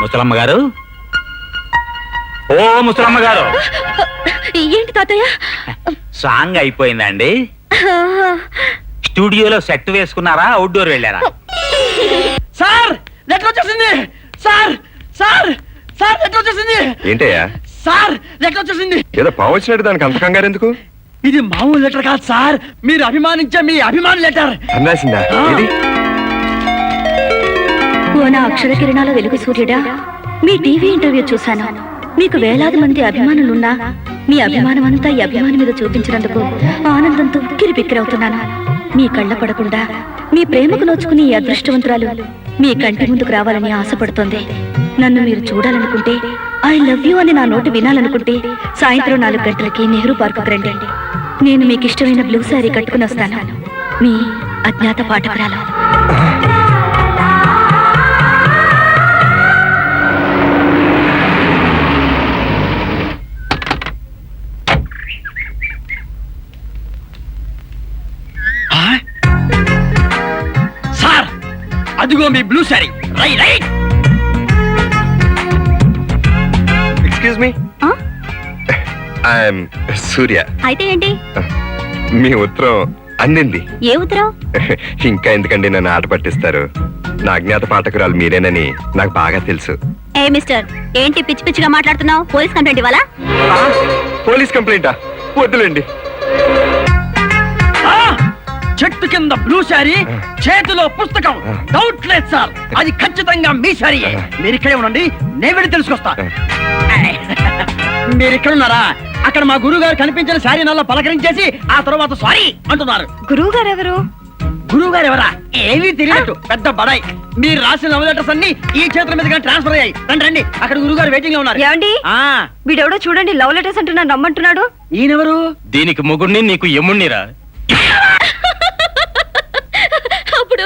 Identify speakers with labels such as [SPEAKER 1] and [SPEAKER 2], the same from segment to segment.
[SPEAKER 1] ముసలమ్మ గారు, ఓ ముసలమ్మ గారు,
[SPEAKER 2] ఏంటి తాతయ్య?
[SPEAKER 1] సాంగ్ అయిపోయిందండి. స్టూడియోలో సెట్ వేసుకున్నారా, అవుట్డోర్ వెళ్ళారా?
[SPEAKER 3] సార్ లెటర్ వచ్చేసింది. సార్ సార్ సార్ లెటర్ వచ్చేసింది.
[SPEAKER 4] ఏంటయ్యా?
[SPEAKER 3] సార్ లెటర్ వచ్చేసింది.
[SPEAKER 4] ఏదో పావు వచ్చినట్టు దానికి అంత కంగారు ఎందుకు?
[SPEAKER 3] ఇది మామూలు లెటర్ కాదు సార్, మీరు అభిమానించే మీ అభిమాన లెటర్.
[SPEAKER 4] అన్నాసిందా? ఇది
[SPEAKER 2] ఓ నా అక్షర కిరణాల వెలుగు సూర్యుడా, మీ టీవీ ఇంటర్వ్యూ చూశాను. మీకు వేలాది మంది అభిమానులున్నా మీ అభిమానం అంతా ఈ అభిమాని మీద చూపించినందుకు ఆనందంతో కిరిపిక్కిరవుతున్నాను. మీ కళ్ళ పడకుండా మీ ప్రేమకు నోచుకుని ఈ అదృష్టవంతురాలు మీ కంటి ముందుకు రావాలని ఆశపడుతోంది. నన్ను మీరు చూడాలనుకుంటే, ఐ లవ్ యూ అని నా నోటి వినాలనుకుంటే సాయంత్రం 4 గంటలకి నెహ్రూ పార్కుకు రండి. నేను మీకు ఇష్టమైన బ్లూ శారీ కట్టుకుని వస్తాను. మీ అజ్ఞాత పాఠకురాలు.
[SPEAKER 3] సార్ అదిగో మీ blue sari. Right.
[SPEAKER 4] Excuse me, I'm Surya.
[SPEAKER 2] అయితే ఏంటి?
[SPEAKER 4] మీ ఉత్తరం అందింది.
[SPEAKER 2] ఏ ఉత్తరం?
[SPEAKER 4] ఇంకా ఎందుకండి నన్ను ఆట పట్టిస్తారు? నా అజ్ఞాత పాఠకురాలు మీరేనని నాకు బాగా తెలుసు.
[SPEAKER 2] ఏ మిస్టర్, ఏంటి పిచ్చి పిచ్చిగా మాట్లాడుతున్నావు? పోలీస్ కంప్లైంట్ ఇవ్వాలా?
[SPEAKER 4] పోలీస్ కంప్లైంటా? వద్దులేండి.
[SPEAKER 3] చెట్టు కింద బ్లూ శారీ, చేతిలో పుస్తకం. డౌట్ లేదు సార్, అది ఖచ్చితంగా మీ శారీ. మీరు ఇక్కడే ఉండండి, నేను వెళ్ళి తెలుసుకొస్తా. మీరు ఇక్కడ ఉన్నారా? అక్కడ మా గురువు గారు కనిపించిన శారీ నల్ల పలకరించేసి ఆ తర్వాత సారీ అంటున్నారు.
[SPEAKER 2] గురువు గారు ఎవరు?
[SPEAKER 3] గురువు గారు ఎవరా? ఏమీ తెలియనట్టు పెద్ద బడాయి. మీరు రాసిన లవ్ లెటర్స్ అన్ని ఈ చేతుల మీదుగా ట్రాన్స్ఫర్ అయ్యాయి. రండి రండి, అక్కడ గురువు గారు వెయిటింగ్ లో ఉన్నారు.
[SPEAKER 2] ఏమండి? వీడెవడో చూడండి, లవ్ లెటర్స్ అంటున్నా నమ్మంటున్నాడు.
[SPEAKER 3] ఈయనెవరు?
[SPEAKER 1] దీనికి ముగుడిని, నీకు ఎమ్ముణ్ణిరా.
[SPEAKER 2] అప్పుడు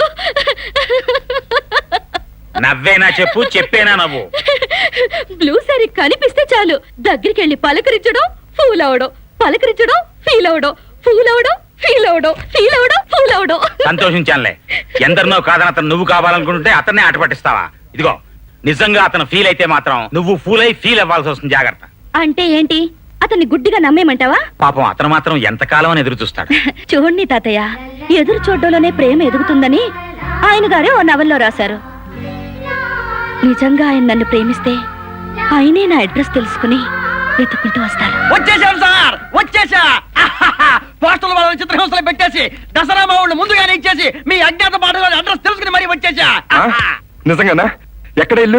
[SPEAKER 1] నవ్వేనా చెప్పు, చెప్పేనా నవ్వు?
[SPEAKER 2] బ్లూ సారీ కనిపిస్తే చాలు దగ్గరికి వెళ్ళి పలకరించడం, ఫూల్ అవడం, పలకరించడం, ఫీల్ అవడం, ఫూల్ అవడం, ఫీల్ అవడం, ఫీల్ అవడం, ఫూల్ అవడం.
[SPEAKER 1] సంతోషించానులే. ఎందరినో కాదని అతను నువ్వు కావాలనుకుంటుంటే అతన్నే ఆట పట్టిస్తావా? ఇదిగో, నిజంగా అతను ఫీల్ అయితే మాత్రం నువ్వు ఫూల్ అయి ఫీల్ అవ్వాల్సి వస్తుంది. జాగ్రత్త.
[SPEAKER 2] అంటే ఏంటి? అతన్ని గుడ్డిగా నమ్మేమంటావా?
[SPEAKER 1] పాపం అతను మాత్రం ఎంతకాలం అని ఎదురు చూస్తాడు.
[SPEAKER 2] చూడండి తాతయ్య, ఎదురు చూడడంలోనే ప్రేమ ఎదుగుతుందని ఆయన గారే ఓ నవల్లో రాశారు. నిజంగా ఆయన నన్ను ప్రేమిస్తే ఆయనే నా అడ్రస్ తెలుసుకుని వెతుక్కుంటూ వస్తారు.
[SPEAKER 3] వచ్చేసాం సార్, వచ్చేసా. పోస్టల్ వాళ్ళని చిత్రహింసలు పెట్టేసి దసరా మా ఊళ్ళు ముందుగానే ఇచ్చేసి మీ అజ్ఞాత పాటలో అడ్రస్ తెలుసుకుని మరీ వచ్చేసా.
[SPEAKER 4] నిజంగానా? ఎక్కడ ఇల్లు?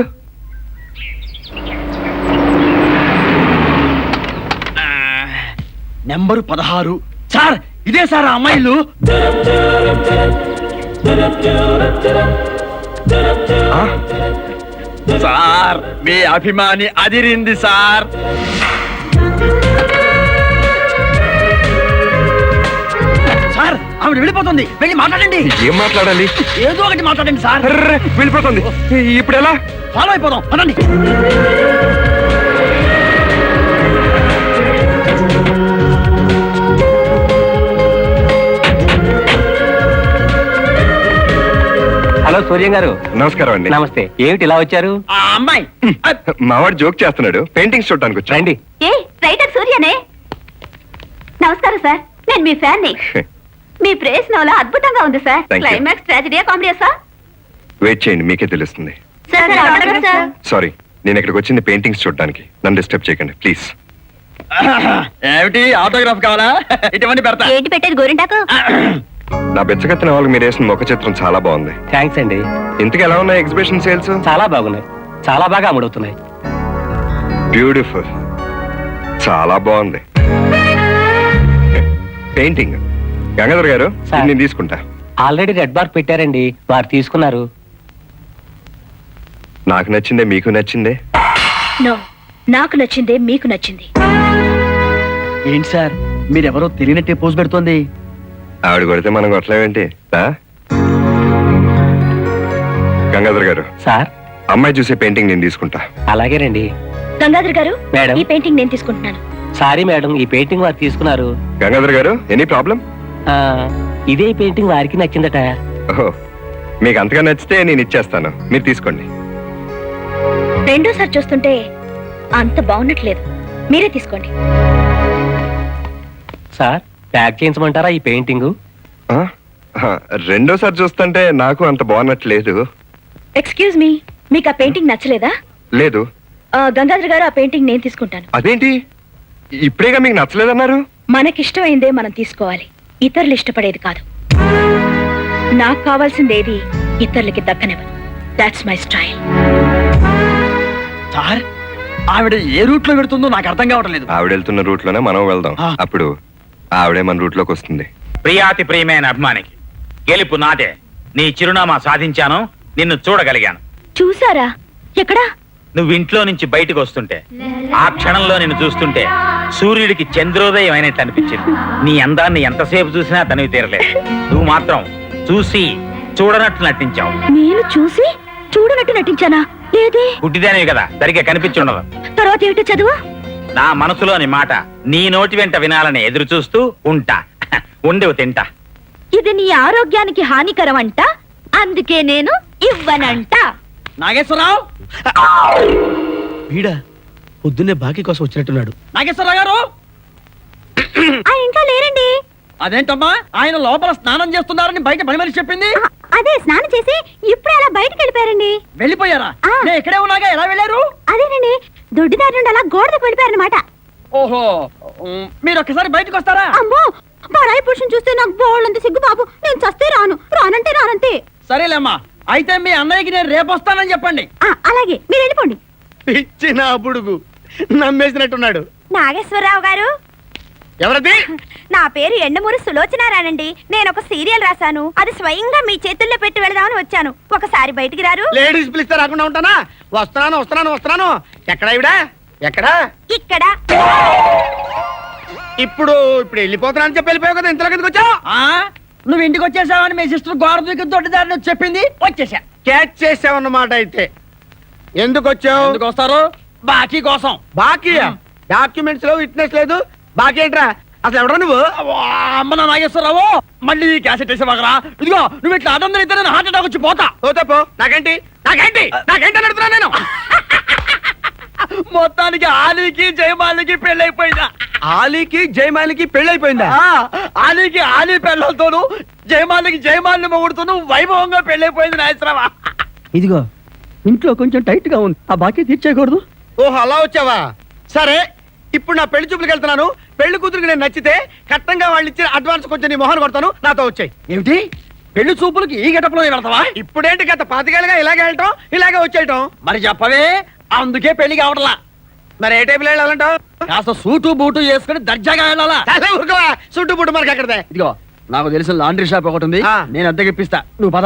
[SPEAKER 3] నెంబరు 16. సార్ ఇదే సార్ ఆ అమ్మాయిలు. సార్ మీ అభిమాని అదిరింది సార్. సార్ ఆవిడ వెళ్ళిపోతుంది, వెళ్ళి మాట్లాడండి.
[SPEAKER 4] ఏం మాట్లాడాలి?
[SPEAKER 3] ఏదో ఒకటి మాట్లాడండి సార్.
[SPEAKER 4] వెళ్ళిపోతుంది. ఇప్పుడు ఎలా?
[SPEAKER 3] ఫాలో అయిపోదాం, పదండి.
[SPEAKER 5] హలో సూర్యం గారు.
[SPEAKER 4] నమస్కారం అండి.
[SPEAKER 5] నమస్తే. ఏమిటి ఇలా వచ్చారు?
[SPEAKER 3] ఆ అమ్మాయి
[SPEAKER 4] మావాడు జోక్ చేస్తున్నాడు, పెయింటింగ్స్ చూడటానికి వచ్చా.
[SPEAKER 5] రండి.
[SPEAKER 2] ఏ రైటర్ సూర్యనే. నమస్కారం సార్, నేను మీ ఫ్యాన్ ని. మీ ప్రేస్ నవల అద్భుతంగా ఉంది సార్.
[SPEAKER 4] Thank you.
[SPEAKER 2] క్లైమాక్స్ ట్రాజెడీయా కామెడీయా సార్?
[SPEAKER 4] వెయిట్ చేయండి, మీకే తెలుస్తుంది.
[SPEAKER 2] Sir autograph sir.
[SPEAKER 4] సారీ, నేను ఇక్కడికి వచ్చింది పెయింటింగ్స్ చూడడానికి. నన్ను డిస్టర్బ్ చేయకండి ప్లీజ్.
[SPEAKER 3] ఏమిటి ఆటోగ్రాఫ్ కావాలా? ఇటువంటి పెడతా.
[SPEAKER 2] ఏంటి పెట్టేది గోరింటాకు?
[SPEAKER 4] నా బెచ్చగత్తిన వాళ్ళకి మీరు వేసిన ముఖ చిత్రం చాలా బాగుంది.
[SPEAKER 5] థ్యాంక్స్ అండి.
[SPEAKER 4] ఇంతకు ఎలా ఉన్నాయి ఎగ్జిబిషన్ సేల్స్?
[SPEAKER 5] చాలా బాగున్నాయి, చాలా బాగా అమ్ముడవుతున్నాయి.
[SPEAKER 4] బ్యూటిఫుల్, చాలా బాగుంది. పెయింటింగ్ గంగాధర్ గారు,
[SPEAKER 5] సార్.
[SPEAKER 4] నేను తీసుకుంటా.
[SPEAKER 5] ఆల్రెడీ రెడ్ బార్ పెట్టారండి, వారు తీసుకున్నారు.
[SPEAKER 4] నాకు నచ్చిందే మీకు నచ్చిందే?
[SPEAKER 2] నో, నాకు నచ్చిందే మీకు నచ్చింది.
[SPEAKER 3] ఏంటి సార్ మీరెవరో తెలియనట్టే పోజ్ పెడుతోంది.
[SPEAKER 4] ఆవిడ కొడితే మనం కొట్టలేమేంటి? గంగాధర్ గారు,
[SPEAKER 5] సార్
[SPEAKER 4] అమ్మాయి చూసే పెయింటింగ్ నేను తీసుకుంటా.
[SPEAKER 5] అలాగేనండి.
[SPEAKER 2] గంగాధర్ గారు,
[SPEAKER 5] మేడం.
[SPEAKER 2] ఈ పెయింటింగ్ నేను తీసుకుంటున్నాను.
[SPEAKER 5] సారీ మేడం, ఈ పెయింటింగ్ వారు తీసుకున్నారు.
[SPEAKER 4] గంగాధర్ గారు, ఎనీ ప్రాబ్లం?
[SPEAKER 5] ఇదే పెయింటింగ్ వారికి నచ్చిందట.
[SPEAKER 4] ఓహో, మీకు అంతగా నచ్చితే నేను ఇచ్చేస్తాను, మీరు తీసుకోండి.
[SPEAKER 2] రెండోసారి చూస్తుంటే అంత బాగున్నట్లేదు. మీరే తీసుకోండి.
[SPEAKER 5] సార్ ప్యాక్ చేయించమంటారా ఈ పెయింటింగ్?
[SPEAKER 4] ఆ? ఆ, రెండోసారి చూస్తుంటే నాకు అంత బాగున్నట్లేదు.
[SPEAKER 2] ఎక్స్క్యూజ్ మీ, మీకు ఆ పెయింటింగ్ నచ్చలేదా?
[SPEAKER 4] లేదు.
[SPEAKER 2] గంగాధర్ గారు, ఆ పెయింటింగ్ నేను తీసుకుంటాను.
[SPEAKER 4] అదేంటి ఇప్పుడేగా మీకు నచ్చలేదన్నారు?
[SPEAKER 2] మనకిష్టమైందే మనం తీసుకోవాలి, ఇతరులు ఇష్టపడేది కాదు. నాకు కావాల్సింది ఏది ఇతరులకి దక్కనివ్వను. That's my style.
[SPEAKER 3] సార్ ఆవిడ ఏ రూట్ లో పెడుతుందో నాకు అర్థం కావటం లేదు.
[SPEAKER 4] ఆవిడ వెళ్తున్న రూట్ లోనే మనం వెళ్దాం.
[SPEAKER 3] ఆ.
[SPEAKER 4] అప్పుడు ఆవిడే మన రూట్ లోకి వస్తుంది.
[SPEAKER 1] ప్రియాతి ప్రియమైన అభిమానికి, గెలుపు నాదే. నీ చిరునామా సాధించాను, నిన్ను చూడగలిగాను.
[SPEAKER 2] చూసారా? ఎక్కడా?
[SPEAKER 1] నువ్వు ఇంట్లో నుంచి బయటకు వస్తుంటే, ఆ క్షణంలో నిన్ను చూస్తుంటే సూర్యుడికి చంద్రోదయం అయినట్టు అనిపించింది. నీ అందాన్ని ఎంతసేపు చూసినా తనివి తీరలేదు. నువ్వు మాత్రం చూసి చూడనట్టు నటించావు.
[SPEAKER 2] నేను చూసి చూడనట్టు నటించానా? లేదే.
[SPEAKER 1] గుడ్డిదానివి కదా, సరిగ్గా కనిపించుండదు.
[SPEAKER 2] తర్వాత ఏమిటో చదువు.
[SPEAKER 1] నా మనసులోని మాట నీ నోటి వెంట వినాలని ఎదురు చూస్తూ ఉంటా. ఉండేవు తింటా.
[SPEAKER 2] ఇది నీ ఆరోగ్యానికి హానికరం అంట, అందుకే నేను ఇవ్వనంట.
[SPEAKER 3] నాగేశ్వరరావు,
[SPEAKER 6] వీడా పొద్దున్నే బాకీ కోసం వచ్చినట్టున్నాడు.
[SPEAKER 3] నాగేశ్వరరావు గారు,
[SPEAKER 2] ఇంకా లేరండి.
[SPEAKER 3] అదేంటమ్మా ఆయన లోపల స్నానం చేస్తున్నారని బయట పని మనిషి చెప్పింది.
[SPEAKER 2] అదే స్నానం చేసి ఇప్పుడే అలా బయటకు వెళ్ళిపోయారండి.
[SPEAKER 3] వెళ్ళిపోయారా?
[SPEAKER 2] ఆ.
[SPEAKER 3] నేను ఇక్కడే ఉన్నాగా, ఎలా వెళ్ళారు?
[SPEAKER 2] అదేనండి, దొడ్డిదారి నుండి అలా గోడకు వెళ్ళిపోయారనమాట.
[SPEAKER 3] ఓహో, మీరు ఒక్కసారి బయటకు వస్తారా?
[SPEAKER 2] అమ్మో, పరాయి పురుషుని చూస్తే నాకు బోళ్ళంత సిగ్గు బాబు. నేను చస్తే రాను, రానంటే రానంతే.
[SPEAKER 3] సరేలేమ్మా, అయితే మీ అన్నయ్యకి నేను రేపు వస్తానని చెప్పండి.
[SPEAKER 2] అలాగే, మీరు వెళ్ళిపోండి.
[SPEAKER 6] ఇచ్చిన బుడుగు నమ్మేసినట్టున్నాడు.
[SPEAKER 2] నాగేశ్వరరావు గారు,
[SPEAKER 6] ఎవరది?
[SPEAKER 2] నా పేరు ఎండమూరి సులోచనారానండి. నేను ఒక సీరియల్ రాశాను, అది స్వయంగా మీ చేతుల్లో పెట్టి వెళదామని వచ్చాను. ఒకసారి బయటికి రారు?
[SPEAKER 6] లేడీస్ పిలిస్తే రాకుండా ఉంటానా? వస్తున్నాను వస్తున్నాను వస్తున్నాను. ఎక్కడా ఇవిడా? ఎక్కడా?
[SPEAKER 2] ఇక్కడ.
[SPEAKER 6] ఇప్పుడు వెళ్ళిపోతున్నాను చెప్పి వెళ్ళిపోయావు కదా, ఇంతలో కిందకి వచ్చావు.
[SPEAKER 3] ఆ నువ్వు ఇంటికి వచ్చేసావని మీ సిస్టర్ గోడ దూకి దొడ్డిదారిని వచ్చి చెప్పింది, వచ్చేసా.
[SPEAKER 6] క్యాచ్ చేసావన్నమాట. అయితే ఎందుకు వచ్చావు?
[SPEAKER 3] ఎందుకు వస్తారు? బాకీ కోసం.
[SPEAKER 6] బాకీ? డాక్యుమెంట్స్ లో విట్నెస్ లేదు, బాకీ ఏంట్రా? అసలు ఎవడా నువ్వు?
[SPEAKER 3] అమ్మ నా నాగేశ్వరరావు, మళ్ళీ ఈ క్యాసెట్ వేసేవాగరా? ఇదిగో నువ్వు ఇట్లా అదందరూ ఇద్దరు హార్ట్ అటాక్ వచ్చి పోతా.
[SPEAKER 6] ఓ తప్పు. నాకేంటి నాకేంటి నాకేంటి అని అడుగుతున్నా నేను.
[SPEAKER 3] మొత్తానికి ఆలీకి జయమాలికి పెళ్ళైపోయిందా?
[SPEAKER 6] ఆలీకి జయమాలికి పెళ్ళైపోయిందా?
[SPEAKER 3] ఆలీకి ఆలీ పెళ్ళతోను, జయమాలికి జయమాలిని మొగుడుతూను వైభవంగా పెళ్ళైపోయింది నాగేశ్వరరావా. ఇదిగో ఇంట్లో కొంచెం టైట్ గా ఉంది, ఆ బాకీ తీర్చేయకూడదు.
[SPEAKER 6] ఓహో, అలా వచ్చావా? సరే, ఇప్పుడు నా పెళ్లి చూపులకు వెళ్తున్నాను. పెళ్లి కూతురికి నేను నచ్చితే కట్టంగా వాళ్ళు ఇచ్చిన అడ్వాన్స్ కొంచెం నీ మొహన్ కొడతాను, నాతో వచ్చాయి.
[SPEAKER 3] ఏమిటి పెళ్లి చూపులకి ఈ గెటప్లో వెళ్తావా?
[SPEAKER 6] ఇప్పుడేంటి గత 5 ఏళ్ళుగా ఇలాగే వెళ్ళటం, ఇలాగే వచ్చేయటం.
[SPEAKER 3] మరి చెప్పవే, అందుకే పెళ్లి కావట్లా.
[SPEAKER 6] మరి ఏ టైపులో వెళ్ళాలంటావు?
[SPEAKER 3] కాస్త సూటు బూటు వేసుకుని దర్జాగా వెళ్ళాలా?
[SPEAKER 6] ఊరుకోవా, చుట్టూ పుట్టు మనకి ఎక్కడదే.
[SPEAKER 3] ఇదిగో నాకు తెలిసిన లాండ్రీ షాప్ ఒకటి ఉంది,
[SPEAKER 6] ఆ.
[SPEAKER 3] నేను అద్దెకిప్పిస్తా, నువ్వు పద.